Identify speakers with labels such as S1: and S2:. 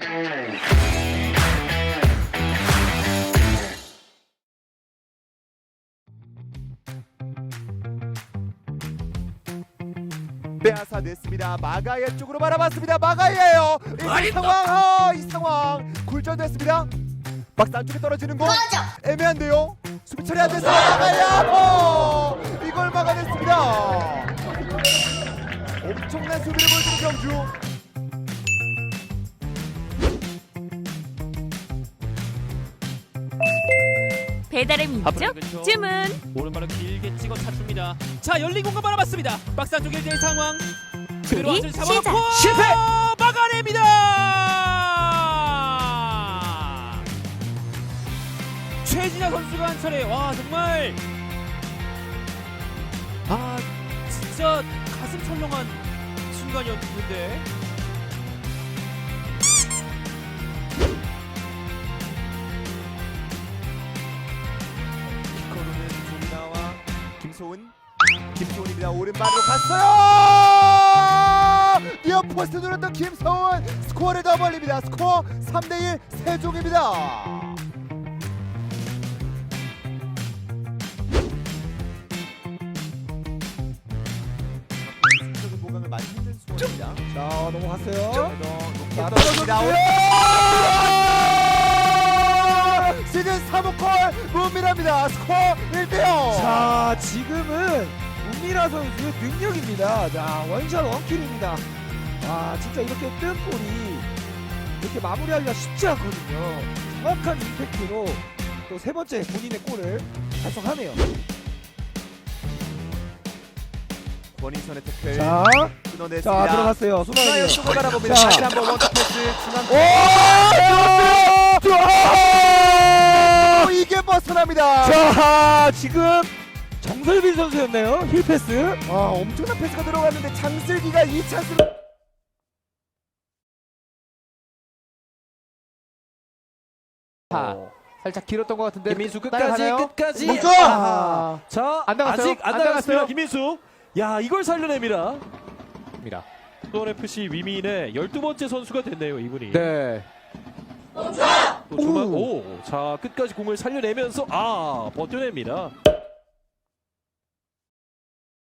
S1: 빼앗아 냈습니다. 마가예 쪽으로 바라봤습니다. 마가예요. 이 상황, 이 상황 굴절됐습니다. 박스 안쪽에 떨어지는 거 애매한데요. 수비 처리 안 됐어요. 마가예. 이걸 막아냈습니다. 엄청난 수비를 보여주는 경주.
S2: 배달의 민족 주문.
S3: 오른발로 길게 찍어 차줍니다. 자, 열린 공간 바라봤습니다. 박스 안쪽 1대1 상황. 그대로
S2: 수비
S3: 완전히 잡아놓고
S2: 시작.
S3: 실패! 막아냅니다. 최진아 선수가 한 차례 정말 진짜 가슴 철렁한 순간이었는데
S1: 키커로는 조민아와 김소은입니다. 오른발로 갔어요. 니어 포스트 누렸던 김소은 스코어를 더 벌립니다. 스코어 3대1 세종입니다. 보강을 많이 힘든 수고입니다.
S4: 자 넘어갔어요.
S1: 자, 떨어집니다. 시즌 3호 문밀합니다. 스코어 1대0.
S4: 자 지금은 문미라 선수의 능력입니다. 자 원샷 원킬입니다. 진짜 이렇게 뜬 볼이 이렇게 마무리하기가 쉽지 않거든요. 정확한 임팩트로 또 세 번째 본인의 골을 달성하네요.
S1: 권인선의 태클
S4: 자
S1: 끊어냈습니다.
S4: 들어갔어요.
S1: 수나의
S4: 손아귀.
S1: 쪽을 바라봅니다.
S4: 자.
S1: 다시 한번 원투 패스 중앙. 이게 벗어납니다.
S4: 자 지금 정설빈 선수였네요. 힐 패스.
S1: 엄청난 패스가 들어갔는데 장슬기가 이 찬스를
S5: 살짝 길었던 것 같은데
S3: 김민수
S5: 끝까지
S4: 멈춰!
S5: 자
S4: 안 나갔어요?
S5: 아직 안
S4: 안
S5: 나갔습니다.
S4: 나갔어요?
S5: 김민수 야 이걸 살려냅니다. 수원FC 위민의 12번째 선수가 됐네요 이분이.
S4: 네.
S5: 또 자 끝까지 공을 살려내면서 버텨냅니다.